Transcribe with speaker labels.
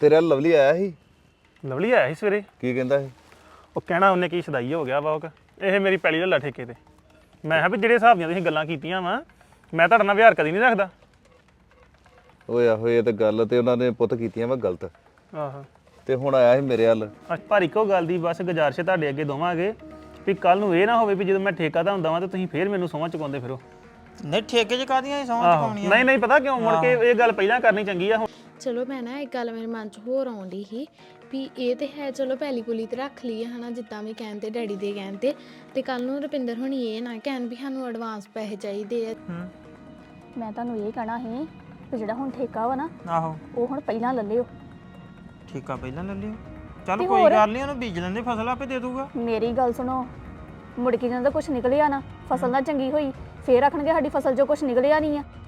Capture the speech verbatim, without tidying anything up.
Speaker 1: ਤੇਰਾ ਲਵਲੀ ਆਇਆ ਸੀ?
Speaker 2: ਲਵਲੀ ਆਇਆ ਸੀ ਸਵੇਰੇ।
Speaker 1: ਕੀ ਕਹਿੰਦਾ ਸੀ?
Speaker 2: ਉਹ ਕਹਿਣਾ ਉਹਨੇ ਕੀ ਸਦਾਈ ਹੋ ਗਿਆ ਵਾ ਉਹ ਇਹ ਮੇਰੀ ਪੈਲੀ ਲੱਲਾ ਠੇਕੇ ਤੇ। ਮੈਂ ਕਿਹਾ ਵੀ ਜਿਹੜੇ ਹਿਸਾਬ ਦੀਆਂ ਤੁਸੀਂ ਗੱਲਾਂ ਕੀਤੀਆਂ ਵਾ ਮੈਂ ਤੁਹਾਡੇ ਨਾਲ ਵਿਹਾਰ ਕਦੀ ਨਹੀਂ ਰੱਖਦਾ।
Speaker 1: ਓਏ ਆਹੋ ਇਹ ਤੇ ਗੱਲ ਤੇ ਉਹਨਾਂ ਨੇ ਪੁੱਤ ਕੀਤੀਆਂ ਵਾ ਗਲਤ।
Speaker 2: ਆਹੋ
Speaker 1: ਤੇ ਹੁਣ ਆਇਆ ਸੀ ਮੇਰੇ ਵੱਲ।
Speaker 2: ਪਰ ਇੱਕੋ ਗੱਲ ਦੀ ਬਸ ਗੁਜ਼ਾਰਿਸ਼ ਤੁਹਾਡੇ ਅੱਗੇ ਦੋਵਾਂਗੇ ਵੀ ਕੱਲ ਨੂੰ ਇਹ ਨਾ ਹੋਵੇ ਵੀ ਜਦੋਂ ਮੈਂ ਠੇਕਾ ਤਾਂ ਹੁੰਦਾ ਵਾਂ ਤੇ ਤੁਸੀਂ ਫੇਰ ਮੈਨੂੰ ਸੌਂਹਾਂ ਚੁਕਾਉਂਦੇ ਫਿਰੋ।
Speaker 3: ਨਹੀਂ ਠੇਕੇ 'ਚ ਕਾਹਦੀਆਂ ਸੌਂਹਾਂ ਚੁਕਾਉਣੀਆਂ?
Speaker 2: ਨਹੀਂ ਨਹੀਂ ਪਤਾ ਕਿਉਂ ਮੁੜ ਕੇ ਇਹ ਗੱਲ ਪਹਿਲਾਂ ਕਰਨੀ ਚੰਗੀ ਆ। ਹੁਣ
Speaker 4: ਚਲੋ ਮੈਂ ਨਾ ਇੱਕ ਗੱਲ ਮੇਰੇ ਮਨ 'ਚ ਹੋਰ ਆਉਂਦੀ ਸੀ ਵੀ ਇਹ ਤੇ ਹੈ ਚਲੋ ਪਹਿਲੀ ਪੁਲੀ ਤੇ ਰੱਖ ਲਈ ਹਨਾ ਜਿੱਦਾਂ ਵੀ ਕਹਿਣ ਤੇ ਡੈਡੀ ਦੇ ਕਹਿਣ ਤੇ ਤੇ ਕੱਲ ਨੂੰ ਰੁਪਿੰਦਰ ਹੁਣੀ ਇਹ ਨਾ ਕਹਿਣ ਵੀ ਸਾਨੂੰ ਐਡਵਾਂਸ ਪੈਸੇ ਚਾਹੀਦੇ ਆ।
Speaker 5: ਮੈਂ ਤੁਹਾਨੂੰ ਇਹ ਕਹਿਣਾ ਸੀ ਕਿ ਜਿਹੜਾ ਹੁਣ ਠੇਕਾ ਵਾ ਨਾ
Speaker 3: ਆਹੋ
Speaker 5: ਉਹ ਹੁਣ ਪਹਿਲਾਂ ਲੈ ਲਿਓ।
Speaker 3: ਠੇਕਾ ਪਹਿਲਾਂ ਲੈ ਲਿਓ। ਚੱਲ ਕੋਈ ਗੱਲ ਨਹੀਂ ਉਹਨੂੰ ਬੀਜ ਲੈਂਦੇ ਫਸਲ ਆਪੇ ਦੇ ਦੂਗਾ।
Speaker 5: ਮੇਰੀ ਗੱਲ ਸੁਣੋ ਮੁੜ ਕੇ ਜਦੋਂ ਕੁਝ ਨਿਕਲਿਆ ਨਾ ਫਸਲ ਨਾ ਚੰਗੀ ਹੋਈ ਫੇਰ ਆਖਣਗੇ ਸਾਡੀ ਫਸਲ 'ਚੋਂ ਕੁਝ ਨਿਕਲਿਆ ਨਹੀਂ ਆ।